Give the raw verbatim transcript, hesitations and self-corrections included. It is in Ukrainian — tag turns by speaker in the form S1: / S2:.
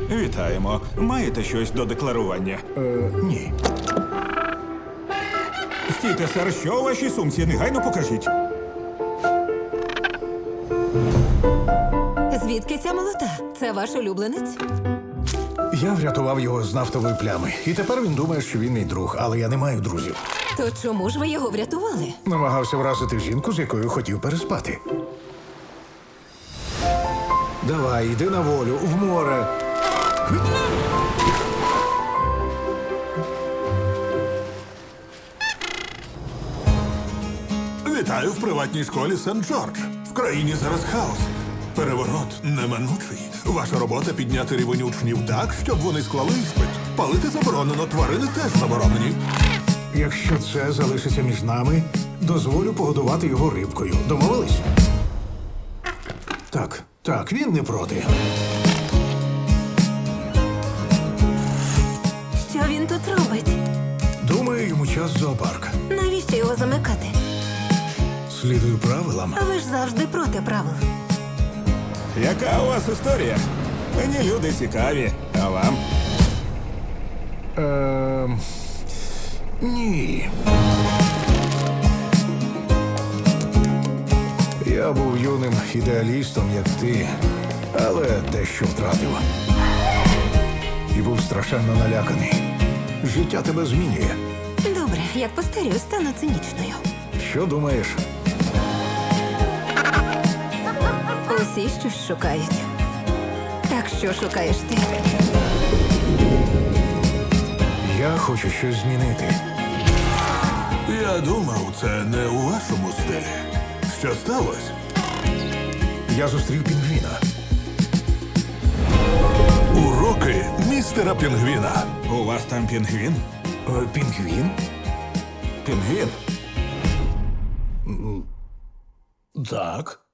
S1: Вітаємо. Маєте щось до декларування?
S2: Е, ні.
S1: Стійте, сер, що у вашій сумці? Негайно покажіть.
S3: Звідки ця молота? Це ваш улюбленець?
S2: Я врятував його з нафтової плями. І тепер він думає, що він мій друг, але я не маю друзів.
S3: То чому ж ви його врятували?
S2: Намагався вразити жінку, з якою хотів переспати. Давай, йди на волю, в море.
S4: Вітаю в приватній школі Сент-Джордж. В країні зараз хаос. Переворот неминучий. Ваша робота підняти рівень учнів так, щоб вони склали іспит. Палити заборонено, тварини теж заборонені.
S2: Якщо це залишиться між нами, дозволю погодувати його рибкою. Домовились? Так, так, він не проти.
S3: Що він тут робить?
S2: Думаю, йому час в зоопарк.
S3: Навіщо його замикати?
S2: Слідую правилам.
S3: Ви ж завжди проти правил.
S1: Яка у вас історія? Мені люди цікаві. А вам?
S2: Ем... Ні. Я був юним ідеалістом, як ти, але дещо втратив. І був страшенно наляканий. Життя тебе змінює.
S3: Добре, як постарію, стану цинічною.
S2: Що думаєш?
S3: Усі щось шукають. Так що шукаєш ти?
S2: Я хочу щось змінити.
S4: Я думав, це не у вашому стилі. Що сталося?
S2: Я зустрів пінгвіна.
S4: Уроки містера Пінгвіна.
S1: У вас там пінгвін?
S2: Е, Пінгвін?
S1: Пінгвін?
S2: Так.